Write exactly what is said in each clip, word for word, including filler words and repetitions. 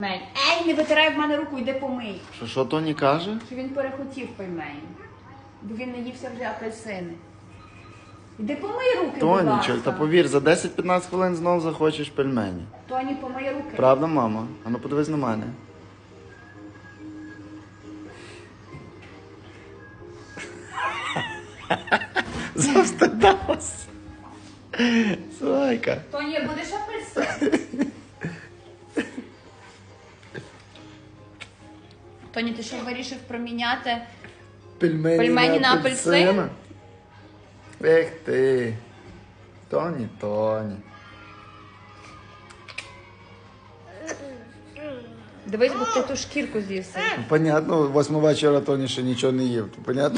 Ей, не витирай в мене руку, йди помий. Що, що Тоні каже? Що він перехотів пельмені. Бо він наївся вже апельсини. Йди помий руки, будь ласка. Тонічок, та повір, за десять-п'ятнадцять хвилин знов захочеш пельмені. Тоні, помий руки. Правда, мама? А ну подивись на мене. Завстидалась. Слайка. Тоні, будеш апельсин? Тоні, ти що вирішив проміняти? Пельмені, Пельмені на апельсин? Ех ти. Тоні, Тоні. Дивись, бо ти ту шкірку з'ївся. Ну, понятно, восьми вечора Тоні ще нічого не їв. То понятно?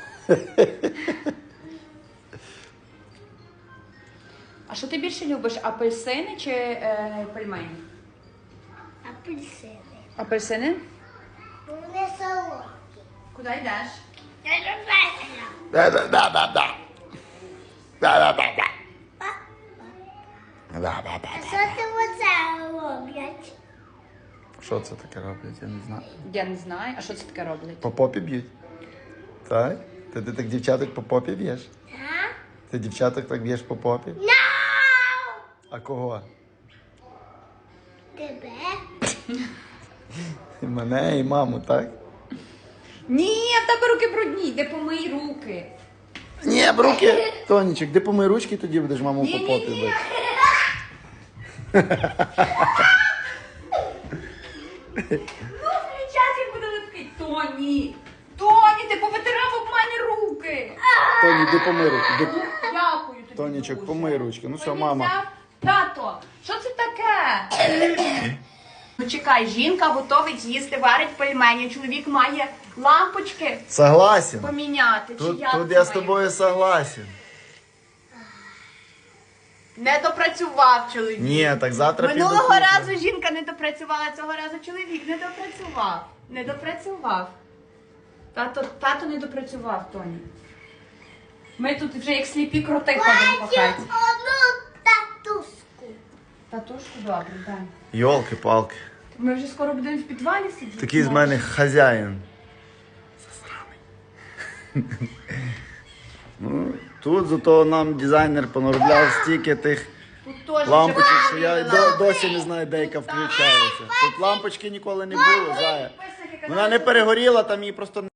А що ти більше любиш, апельсини чи е, пельмені? Апельсини. Апельсини? Вони солодкі. Куди йдеш? Я люблю. Да-да-да-да-да. Да-да-да-да. Да-да-да-да. А що ти оце роблять? Що це таке роблять? Я не знаю. Я не знаю. А що це таке роблять? По попі б'ють. Так? Ти, ти так дівчаток по попі б'єш? А? Ти дівчаток так б'єш по попі? No! А кого? Тебе? І мене, і маму, так? Ні, в тебе руки брудні, йди помий руки. Ні, руки! Тонічок, де помий ручки, тоді будеш маму по попі Ні-ні-ні. бити. Ну, включай, як буде липкий. Тоні! Тоні, ти повитирав об мене руки. Тоні, де помий руки. Де... Дякую тобі. Тонічок, дуже. помий ручки. Ну що, Тоні мама? взяв. Тато, що це таке? Ну чекай, жінка готовить їсти, варить пельмені. Чоловік має лампочки Согласен. поміняти. Чи Тут, як тут це я з має тобою согласен. Не допрацював чоловік. Ні, так завтра піду Минулого куплю. разу жінка не допрацювала, цього разу чоловік не допрацював. Не допрацював. Тато, тато не допрацював, Тоні. Ми тут вже як сліпі кроти ходимо по Хочу хаті. одну татуску. Татушку, добре, дай. Йолки-палки. Ми вже скоро будемо в підвалі сидіти. Такий з мене хазяїн. Засраний. Ну, тут зато нам дизайнер понаробляв стільки тих Тут теж лампочок, вже що я виявила. до, досі не знаю, де яка включається. Тут лампочки ніколи не було, зая. Підписники Вона не перегоріла, там її просто